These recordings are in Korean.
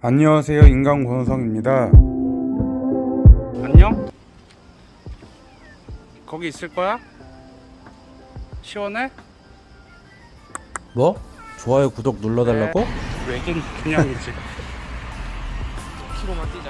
안녕하세요, 인간 권호성입니다. 안녕? 거기 있을 거야? 시원해? 뭐? 좋아요 구독 눌러달라고? 왜긴 그냥이지. 키로만 뛰자.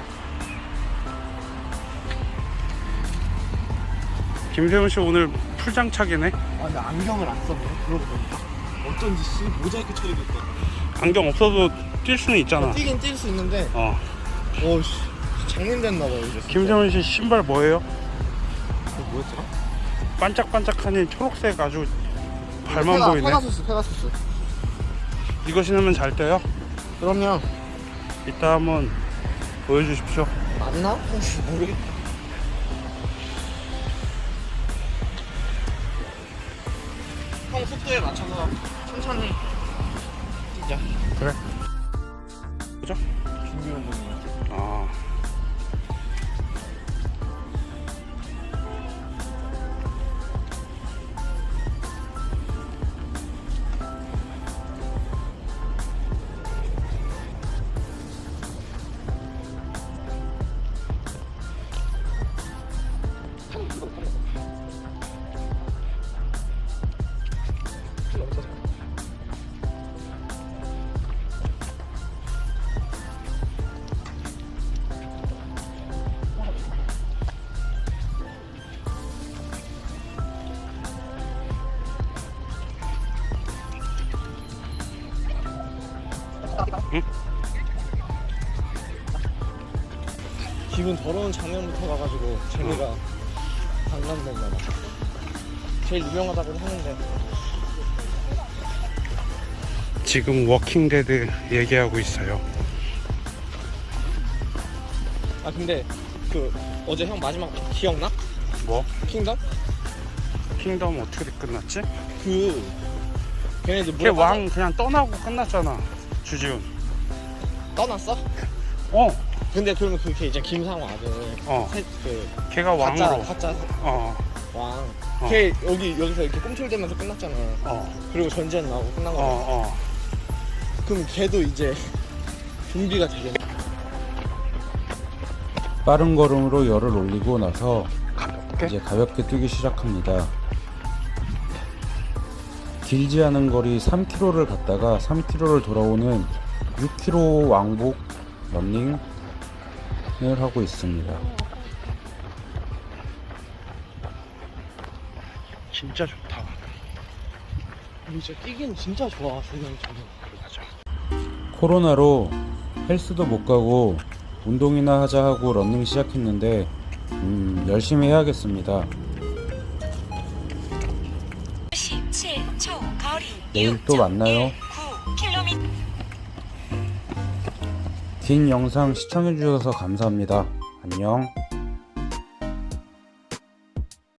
김세훈씨 오늘 풀장착이네. 아 근데 안경을 안 썼네. 그러고 보니까 어쩐지 씨 모자이크 처리도 있대. 안경 없어도 뛸 수는 있잖아. 뛰긴 뛸 수 있는데 어씨 장님됐나봐요 이제. 김세훈씨 신발 뭐예요? 그 뭐였더라? 반짝반짝하니 초록색 아주 발만 보이네. 페가수스. 이거 신으면 잘 돼요? 그럼요. 이따 한번 보여주십시오. 맞나? 모르겠다. 형 속도에 맞춰서 천천히 뛰자. 그래. 그죠? 준비 운동이야. 아. 응? 기분 더러운 장면부터 가가지고 재미가 반감됐나봐. 제일 유명하다고 하는데 지금 워킹데드 얘기하고 있어요. 아 근데 그 어제 형 마지막 기억나? 뭐? 킹덤? 킹덤 어떻게 끝났지? 그 걔네들 걔 왕 그냥 떠나고 끝났잖아. 주지훈. 떠났어? 어. 근데 그러면 그게 이제 김상호 아들 그 걔가 왕으로. 가짜 어. 왕. 걔 여기서 이렇게 꿈틀대면서 끝났잖아. 그리고 전쟁 나오고 끝난 거야. 그럼 걔도 이제 좀비가 되겠네. 빠른 걸음으로 열을 올리고 나서 가볍게? 이제 가볍게 뛰기 시작합니다. 길지 않은 거리 3km를 갔다가 3km를 돌아오는 6km 왕복 러닝을 하고 있습니다. 진짜 좋다. 진짜 뛰기는 진짜 좋아. 조명처럼. 맞아. 코로나로 헬스도 못 가고 운동이나 하자 하고 러닝 시작했는데 열심히 해야겠습니다. 17초 거리 내일 또 만나요. 9km. 긴 영상 시청해주셔서 감사합니다. 안녕.